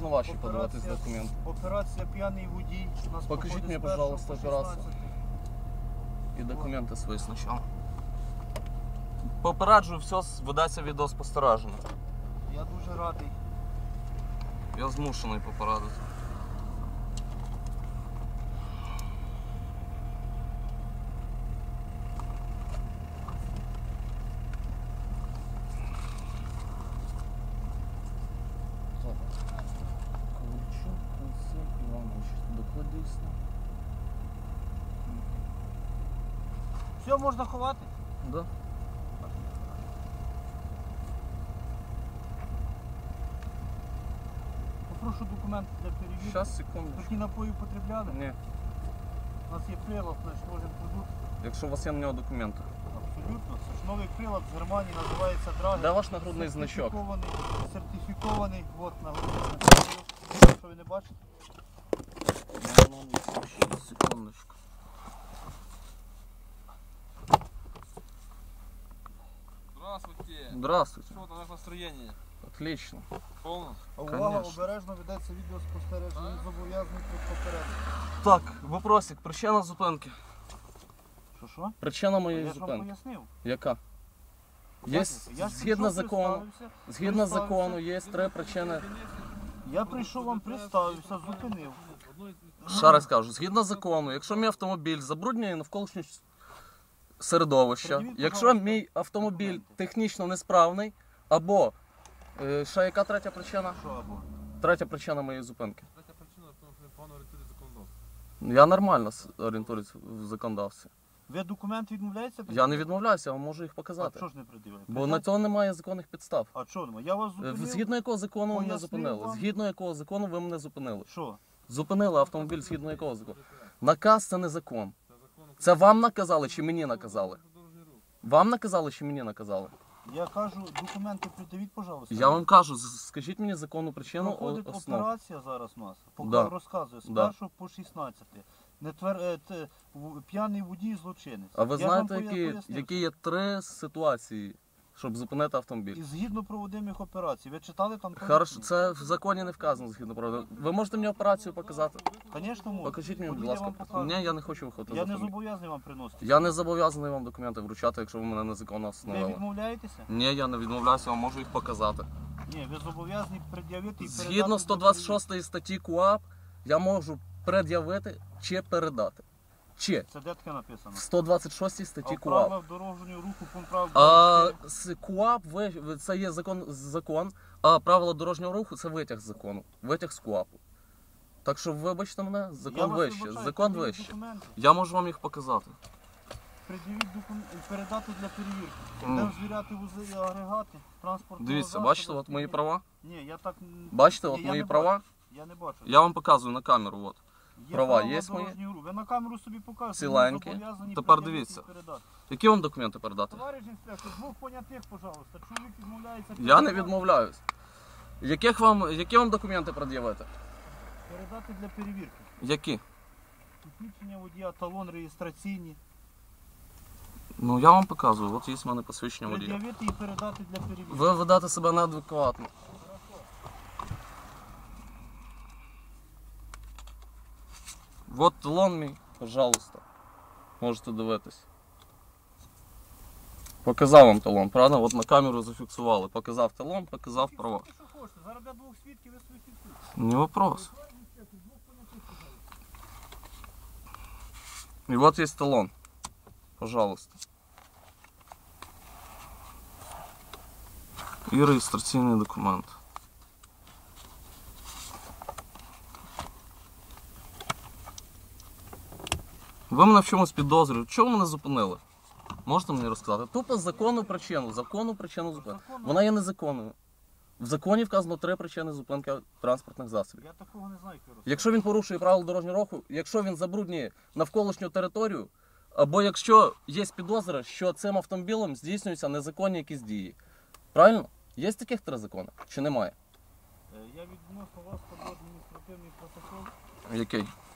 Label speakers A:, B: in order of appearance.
A: можна ваші подаватись документи?
B: Операція «П'яний водій».
A: Покажіть мені, пожалуйста, операцію. І документи свої спочатку. Попереджую, все, ведеться відеоспостереження.
B: Я дуже радий.
A: Я змушений попередити. Ковальчук Константин Іванович, докладись.
B: Все, можна ховати?
A: Да.
B: Попрошу документи для перевірки.
A: Щас, секунду.
B: Такі напої потребляли?
A: Ні.
B: У нас є прилад, значить можемо продукт.
A: Якщо у вас є на нього документи.
B: Абсолютно. Це ж новий прилад з Германії, називається Драгер.
A: Де ваш нагрудний значок?
B: Сертифікований. От нагрудний значок. Що ви не бачите?
A: Секундочку.
C: Здравствуйте.
A: Здравствуйте.
C: Что там, как настроение?
A: Отлично.
C: Полно?
B: А увага,
A: Конечно.
B: обережно ведеться відеоспостереження. Він зобов'язаний попередити.
A: Так, вопросик. Причина зупинки.
B: Що?
A: Причина моєї
B: Я ж вам
A: зупинки.
B: пояснив.
A: Яка? Є,
B: Я ж
A: згідно
B: прийшов,
A: закону,
B: представився.
A: згідно закону, є три причини.
B: Я прийшов, вам представився, зупинив.
A: Ще раз кажу, згідно закону, якщо мій автомобіль забруднює навколишнє середовище,
B: Пред'явіть,
A: якщо
B: пожалуйста,
A: мій автомобіль
B: документи.
A: технічно несправний, або ще яка третя причина?
B: Що або?
A: Третя причина моєї зупинки.
C: Третя причина, тому що погано орієнтується законодавство.
A: Я нормально орієнтуюсь в законодавстві.
B: Ви документи відмовляєтеся?
A: Я не відмовляюся, я вам можу їх
B: А
A: показати.
B: що ж не пред'являєте?
A: Бо на цього немає законних підстав.
B: А що немає? Я вас зупинив.
A: Згідно якого закону ви мене
B: пояснив
A: зупинили?
B: вам.
A: Згідно якого закону ви мене зупинили?
B: Що?
A: Зупинили автомобіль згідно якого закону? Наказ це не закон.
C: Це закон України.
A: Це вам наказали чи мені наказали?
C: Про дорожній рух.
A: Вам наказали чи мені наказали?
B: Я кажу, документи пред'явіть, пожалуйста.
A: Я вам кажу, скажіть мені законну причину
B: Проходить
A: основ.
B: операція зараз у нас. Поки
A: Да.
B: розказую, з
A: Да.
B: 1 по 16. П'яний водій злочинець.
A: А ви
B: Я ж вам
A: знаєте,
B: пояснив.
A: які є три ситуації, щоб зупинити автомобіль?
B: І згідно проводимих операцій. Ви читали там?
A: Хорошо, це в законі не вказано згідно правил. Ви можете мені операцію показати?
B: Звісно, можу.
A: Покажіть мені, будь
B: Ходіть, я
A: ласка.
B: вам покажу.
A: Ні, я не хочу виходити з
B: Я не
A: автомобіля.
B: зобов'язаний вам приносити.
A: Я не зобов'язаний вам документи вручати, якщо ви мене незаконно
B: Ви
A: встановили.
B: відмовляєтеся?
A: Ні, я не відмовляюся, я вам можу їх показати.
B: Ні, ви зобов'язані пред'явити і передати.
A: Згідно 126 статті КУАП, я можу пред'явити чи передати. Чи
B: Це де таке написано?
A: в 126
B: А
A: статті
B: в
A: КУАП.
B: правилах дорожнього руху пункт прав
A: А
B: 24.
A: з КУАП це є закон, а правила дорожнього руху це витяг з закону, витяг з КУАПу. Так що вибачте мене,
B: Я
A: закон
B: вас
A: вище,
B: вибачаю,
A: закон
B: пред'явіть
A: вище.
B: документи.
A: Я можу вам їх показати.
B: Пред'явіть документи, передати для перевірки.
A: Ну.
B: Де звіряти вузи і агрегати, транспортного
A: Дивіться,
B: засобу,
A: бачите, от мої
B: які-
A: права?
B: Ні, я так...
A: Бачите,
B: Ні,
A: от
B: я
A: мої
B: не
A: права?
B: бачу. Я не бачу.
A: Я вам показую на камеру. От.
B: Є
A: права
B: правила
A: є мої?
B: дорожнього руху. Ви на камеру собі покажете.
A: Ціленькі.
B: ви зобов'язані
A: Тепер
B: пред'явити
A: дивіться.
B: і передати.
A: Які вам документи передати?
B: Товариш інспектор, двох понятих, пожалуйста. Чоловік відмовляється.
A: Я не
B: передати.
A: відмовляюсь. Які вам документи пред'явити?
B: Передати для перевірки.
A: Які?
B: Посвідчення водія, талон реєстраційні.
A: Ну я вам показую, от є в мене посвідчення водія.
B: Пред'явити і передати для перевірки.
A: Ви ведете себе неадекватно. Вот талон мій, пожалуйста. Можете дивитись. Показав вам талон, правда? От на камеру зафіксували. Показав талон, показав права.
B: Фіксуйте, що хочете. Зараз я двох свідків, ви свої фіксуєте.
A: Не вопрос. И вот есть талон. Пожалуйста. І реєстраційний документ. Ви мене в чомусь підозрюєте. Чого ви мене зупинили? Можете мені розказати? Тупо законну причину зупинки. Вона є незаконною. В законі вказано три причини зупинки транспортних засобів.
B: Я такого не знаю, Киро.
A: Якщо він порушує правила дорожнього руху, якщо він забруднює навколишню територію, або якщо є підозра, що цим автомобілем здійснюються незаконні якісь дії. Правильно? Є таких три закони? Чи немає?
B: Я відносно вас складу адміністративний протокол.
A: Який?